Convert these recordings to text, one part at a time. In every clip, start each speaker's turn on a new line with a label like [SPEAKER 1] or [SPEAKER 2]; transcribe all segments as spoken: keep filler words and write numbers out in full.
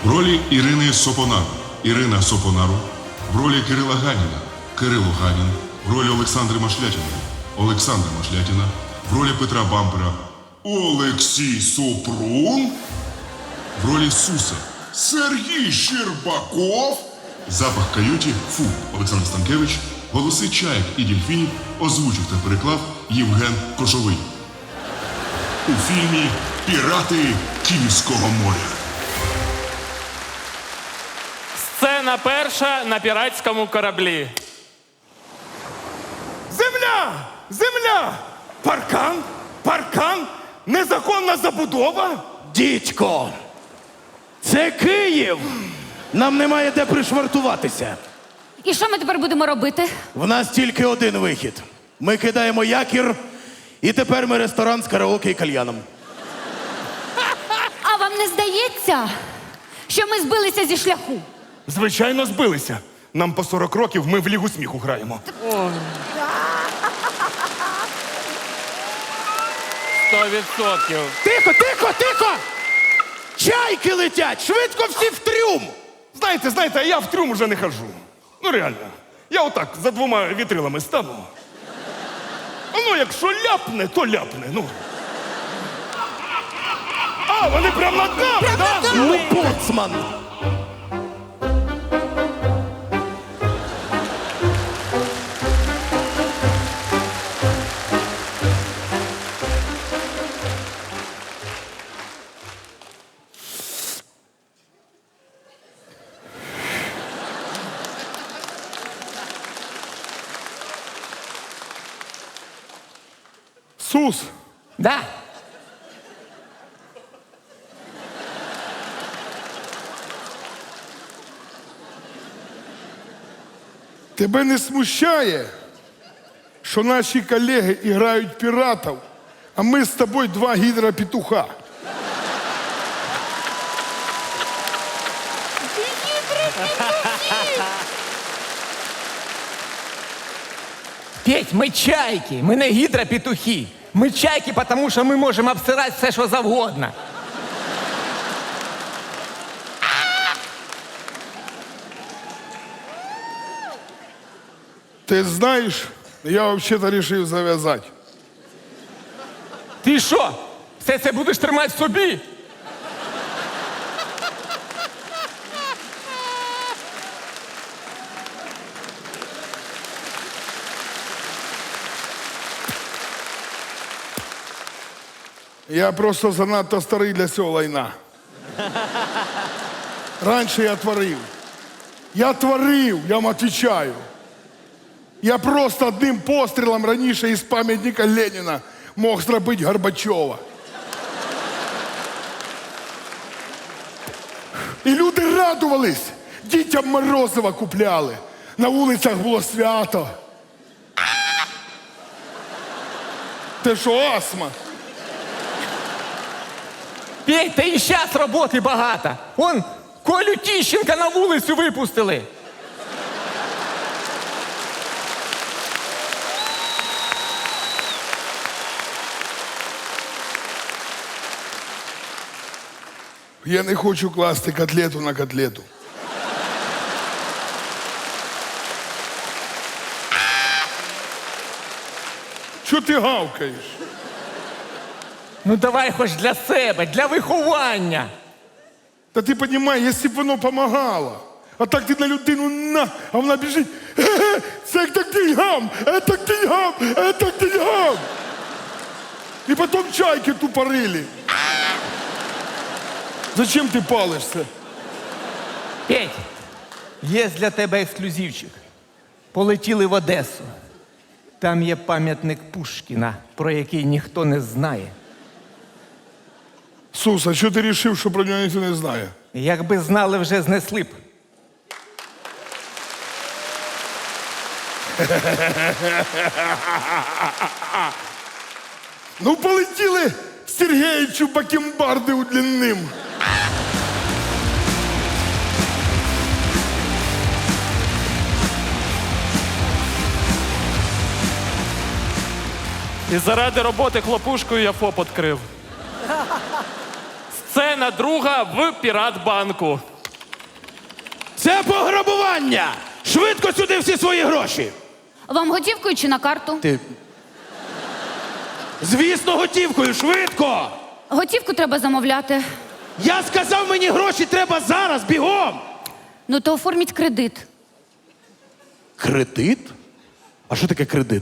[SPEAKER 1] В ролі Ірини Сопонар Ірина Сопонару, в ролі Кирила Ганіна Кирило Ганін, в ролі Олександри Машлятіної Олександра Машлятіна, в ролі Петра Бампера Олексій Супрун, в ролі Суса Сергій Щербаков, запах каюті Фу Олександр Станкевич, голоси чаєк і дільфінів озвучив та переклав Євген Кошовий. У фільмі «Пірати Київського моря».
[SPEAKER 2] Сцена перша на піратському кораблі.
[SPEAKER 3] Земля! Земля! Паркан! Паркан! Незаконна забудова!
[SPEAKER 4] Дідько! Це Київ! Нам немає де пришвартуватися.
[SPEAKER 5] І що ми тепер будемо робити?
[SPEAKER 4] В нас тільки один вихід. Ми кидаємо якір, і тепер ми ресторан з караоке і кальяном.
[SPEAKER 5] А вам не здається, що ми збилися зі шляху?
[SPEAKER 3] Звичайно, збилися. Нам по сорок років, ми в Лігу сміху граємо.
[SPEAKER 2] Сто відсотків.
[SPEAKER 4] Тихо, тихо, тихо! Чайки летять! Швидко всі в трюм!
[SPEAKER 3] Знаєте, знаєте, а я в трюм уже не хожу. Ну реально. Я отак за двома вітрилами стану. Ну, якщо ляпне, то ляпне. Ну. А, вони прямо над нами, так? Да?
[SPEAKER 4] Ну, боцман!
[SPEAKER 3] Сус,
[SPEAKER 2] Да.
[SPEAKER 6] Тебе не смущає, що наші колеги грають піратів, а ми з тобою два гідропетуха?
[SPEAKER 7] Петь, ми чайки, ми не гідропетухи. Ми чайки, тому що ми можемо обсирати все, що завгодно.
[SPEAKER 6] Ти знаєш, я взагалі вирішив зав'язати.
[SPEAKER 7] Ти що, все це будеш тримати в собі?
[SPEAKER 6] Я просто занадто старий для цього лайна. Раніше я творив. Я творив, я вам відповідаю. Я просто одним пострілом раніше із пам'ятника Леніна мог зробити Горбачова. І люди радувались, дітям морозива купляли. На вулицях було свято. Ти що, астма?
[SPEAKER 7] Петь, та і зараз роботи багато. Вон, Колю Тіщенка на вулицю випустили.
[SPEAKER 6] Я не хочу класти котлету на котлету. Чого ти гавкаєш?
[SPEAKER 7] Ну давай хоч для себе, для виховання.
[SPEAKER 6] Та ти розумієш, якщо б воно допомагало. А так ти на людину на, а вона біжить. Ге-ге, це так деньгам, це так деньгам, це так деньгам. І потім чайки тупорили. Зачем ти палишся?
[SPEAKER 7] Петь, є для тебе ексклюзивчик. Полетіли в Одесу. Там є пам'ятник Пушкіна, про який ніхто не знає.
[SPEAKER 6] Сус, а що ти вирішив, що про нього ніхто не знає?
[SPEAKER 7] Якби знали, вже знесли б.
[SPEAKER 6] Ну, полетіли Сергеївичу бакенбарди удлінним.
[SPEAKER 2] І заради роботи хлопушкою я ФОП відкрив. Сцена друга в Піратбанку.
[SPEAKER 4] Це пограбування! Швидко сюди всі свої гроші!
[SPEAKER 5] Вам готівкою чи на карту?
[SPEAKER 4] Ти. Звісно, готівкою, швидко!
[SPEAKER 5] Готівку треба замовляти.
[SPEAKER 4] Я сказав, мені гроші треба зараз, бігом!
[SPEAKER 5] Ну то оформіть кредит.
[SPEAKER 4] Кредит? А що таке кредит?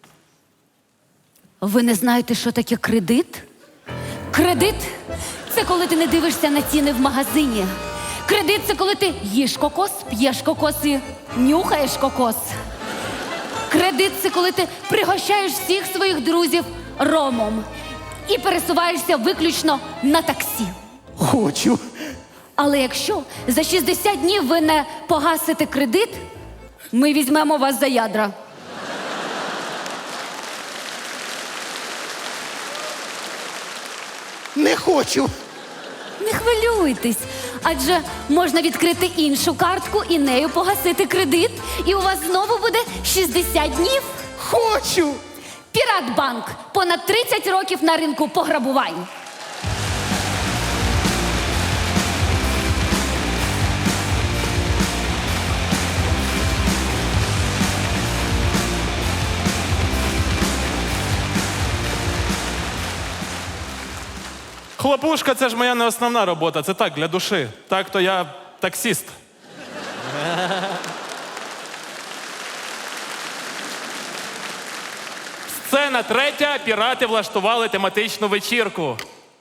[SPEAKER 5] Ви не знаєте, що таке кредит? Кредит це коли ти не дивишся на ціни в магазині. Кредит це коли ти їш кокос, п'єш кокос і нюхаєш кокос. Кредит це коли ти пригощаєш всіх своїх друзів ромом і пересуваєшся виключно на таксі.
[SPEAKER 4] Хочу.
[SPEAKER 5] Але якщо за шістдесят днів ви не погасите кредит, ми візьмемо вас за ядра.
[SPEAKER 4] Не хочу.
[SPEAKER 5] Не хвилюйтесь, адже можна відкрити іншу картку і нею погасити кредит, і у вас знову буде шістдесят днів.
[SPEAKER 4] Хочу.
[SPEAKER 5] Піратбанк. Понад тридцять років на ринку пограбувань.
[SPEAKER 2] Хлопушка це ж моя не основна робота, це так, для душі. Так, то я таксіст. Сцена третя. Пірати влаштували тематичну вечірку.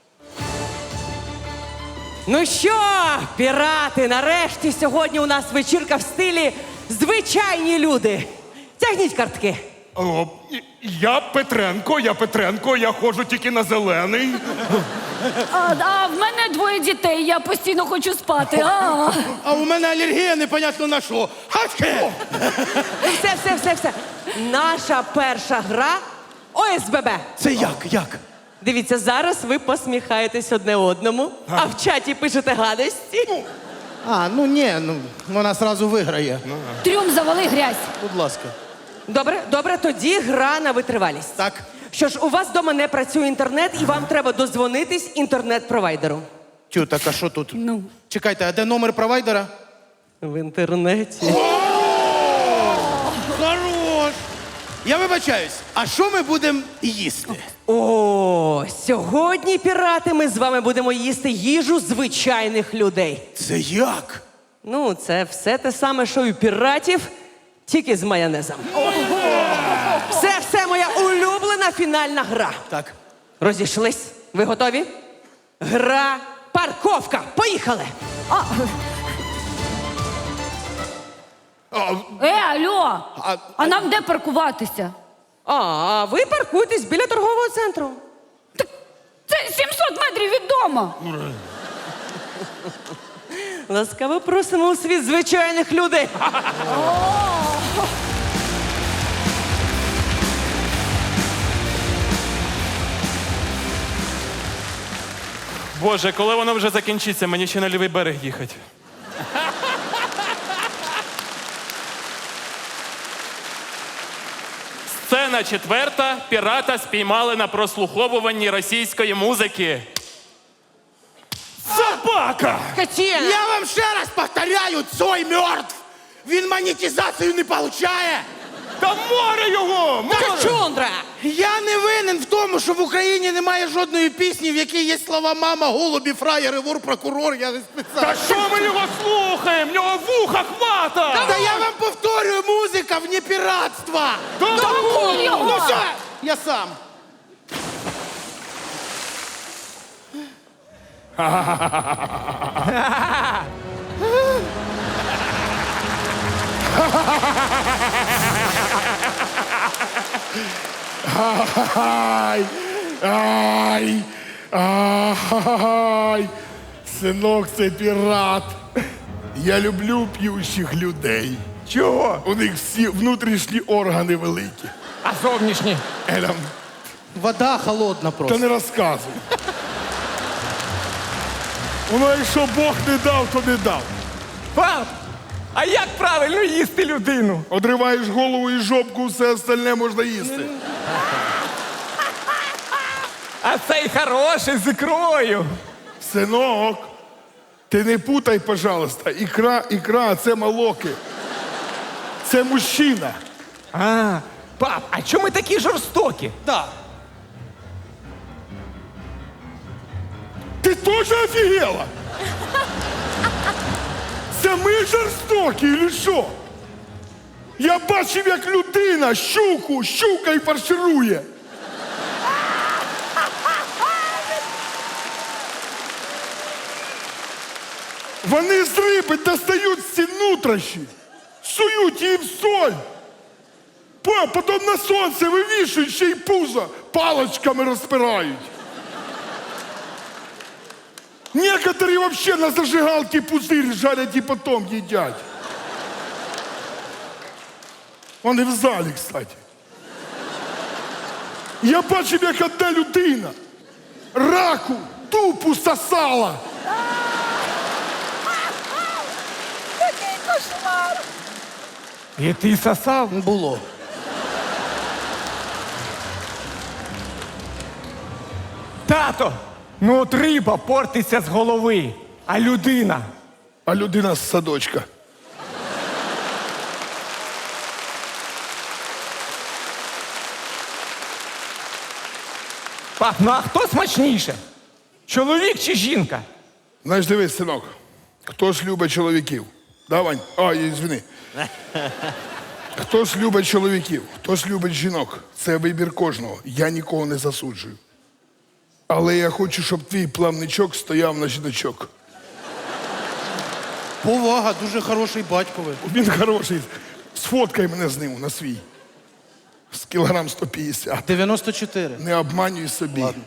[SPEAKER 8] Ну що, пірати, нарешті сьогодні у нас вечірка в стилі звичайні люди. Тягніть картки.
[SPEAKER 3] О, я Петренко, я Петренко, я ходжу тільки на зелений.
[SPEAKER 5] А, а в мене двоє дітей, я постійно хочу спати. А.
[SPEAKER 4] А у мене алергія непонятно на що. Хачке!
[SPEAKER 8] Ну все, все, все, все. Наша перша гра О С Б Б.
[SPEAKER 4] Це як? Як?
[SPEAKER 8] Дивіться, зараз ви посміхаєтесь одне одному, а в чаті пишете гадості.
[SPEAKER 4] А, ну ні, ну вона зразу виграє.
[SPEAKER 5] Трюм завали грязь.
[SPEAKER 4] Будь ласка.
[SPEAKER 8] Добре, добре, тоді гра на витривалість.
[SPEAKER 4] Так.
[SPEAKER 8] Що ж, у вас вдома не працює інтернет, і вам треба дозвонитись інтернет-провайдеру.
[SPEAKER 4] Тю, так а що тут?
[SPEAKER 5] Ну.
[SPEAKER 4] Чекайте, а де номер провайдера?
[SPEAKER 8] В інтернеті.
[SPEAKER 4] Хорош! Я вибачаюсь, а що ми будемо їсти?
[SPEAKER 8] О, сьогодні, пірати, ми з вами будемо їсти їжу звичайних людей.
[SPEAKER 4] Це як?
[SPEAKER 8] Ну, це все те саме, що і у піратів, тільки з майонезом. Все, все, моя улюблена фінальна гра.
[SPEAKER 4] Так.
[SPEAKER 8] Розійшлись? Ви готові? Гра парковка. Поїхали!
[SPEAKER 5] А. Е, алло!
[SPEAKER 4] А-
[SPEAKER 5] А нам де паркуватися?
[SPEAKER 8] А, а ви паркуйтесь біля торгового центру.
[SPEAKER 5] Це сімсот метрів від дому.
[SPEAKER 8] Ласкаво просимо у світ звичайних людей.
[SPEAKER 2] Боже, коли воно вже закінчиться, мені ще на лівий берег їхати. Сцена четверта. Пірата спіймали на прослуховуванні російської музики.
[SPEAKER 3] Собака!
[SPEAKER 8] Катіна!
[SPEAKER 4] Я вам ще раз повторяю, Цой мертв! Він монетизацію не получає!
[SPEAKER 3] Та море його! Море!
[SPEAKER 8] Качундра!
[SPEAKER 4] Я не винен в тому, що в Україні немає жодної пісні, в якій є слова «мама», «голубі», «фраєри», «вор», «прокурор», я не спеціально.
[SPEAKER 3] Та що ми його слухаємо? В нього вуха хвата!
[SPEAKER 4] Та я вам повторюю, музика вне піратства!
[SPEAKER 3] Та
[SPEAKER 5] ну його!
[SPEAKER 4] Ну все, я сам.
[SPEAKER 6] Ай, ай, ай, синок, це пірат. Я люблю п'ющих людей.
[SPEAKER 3] Чого?
[SPEAKER 6] У них всі внутрішні органи великі.
[SPEAKER 3] А зовнішні?
[SPEAKER 6] Елям,
[SPEAKER 4] Вода холодна
[SPEAKER 6] та
[SPEAKER 4] просто.
[SPEAKER 6] не розказуй. Воно, якщо Бог не дав, то не дав.
[SPEAKER 3] Пап, а як правильно їсти людину?
[SPEAKER 6] Одриваєш голову і жопку, все остальне можна їсти.
[SPEAKER 3] А цей хороший з ікрою.
[SPEAKER 6] Синок, Ти не путай, пожалуйста. Ікра, ікра, це молоки. Це мужчина.
[SPEAKER 7] А, пап, а чому ми такі жорстокі?
[SPEAKER 4] Да.
[SPEAKER 6] Ти теж офігела? Це ми жорстокі, или що? Я бачив, як людина щуку, щука і фарширує. Вони з риби достають всі нутрощі, сують її в соль. По- Потім на сонце вивішують, ще й пузо палочками розпирають. Некоторі вообще на зажигалці пузирь жарять і потім їдять. Вони в залі, кстати. Я бачив, як одна людина раку тупу сосала.
[SPEAKER 7] І ти сосав?
[SPEAKER 4] Було.
[SPEAKER 7] Тато, ну от риба портиться з голови, а людина.
[SPEAKER 6] А людина з садочка.
[SPEAKER 7] Пап, ну а хто смачніше? Чоловік чи жінка?
[SPEAKER 6] Знаєш, дивись, синок, хто ж любить чоловіків? Да, Вань? А, ізвини. Хто ж любить чоловіків, хто ж любить жінок? Це вибір кожного. Я нікого не засуджую. Але я хочу, щоб твій плавничок стояв на жіночок.
[SPEAKER 4] Повага, дуже хороший батько ви.
[SPEAKER 6] Він хороший. Сфоткай мене з ним на свій. З кілограм сто п'ятдесят.
[SPEAKER 4] дев'яносто чотири.
[SPEAKER 6] Не обманюй собі.
[SPEAKER 4] Ладно.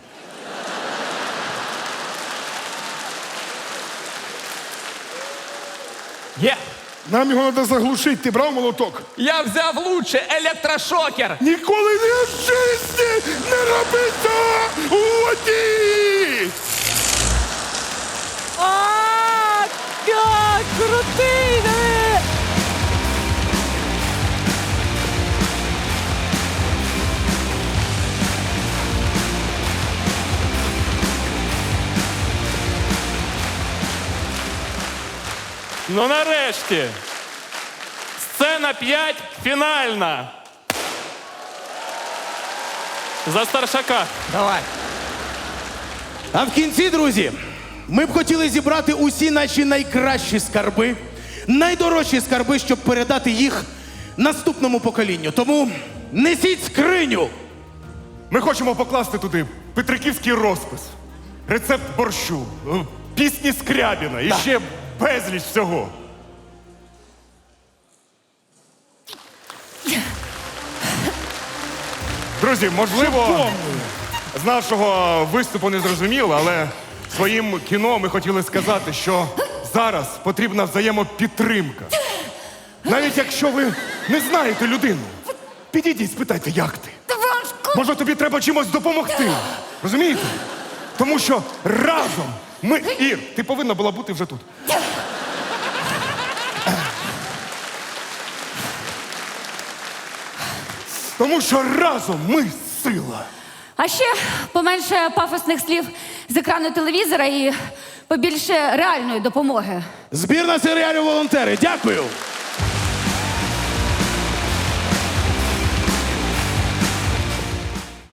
[SPEAKER 7] Є.
[SPEAKER 6] Нам його треба заглушити. Ти брав молоток?
[SPEAKER 7] Я взяв лучше електрошокер.
[SPEAKER 6] Ніколи не в житті не роби цього! Уйди!
[SPEAKER 8] А, як крутий! диви!
[SPEAKER 2] Ну нарешті. Сцена п'ять фінальна. За старшака.
[SPEAKER 7] Давай.
[SPEAKER 4] А в кінці, друзі, ми б хотіли зібрати усі наші найкращі скарби, найдорожчі скарби, щоб передати їх наступному поколінню. Тому несіть скриню.
[SPEAKER 3] Ми хочемо покласти туди петриківський розпис, рецепт борщу, е, пісні Скрябіна і ще безліч всього. Друзі, можливо, з нашого виступу не зрозуміло, але своїм кіно ми хотіли сказати, що зараз потрібна взаємопідтримка. Навіть якщо ви не знаєте людину, підійдіть, спитайте, як ти. Може, тобі треба чимось допомогти. Розумієте? Тому що разом ми... Ір, ти повинна була бути вже тут. Тому що разом ми сила.
[SPEAKER 5] А ще поменше пафосних слів з екрану телевізора і побільше реальної допомоги.
[SPEAKER 4] Збірна серіалів «Волонтери». Дякую.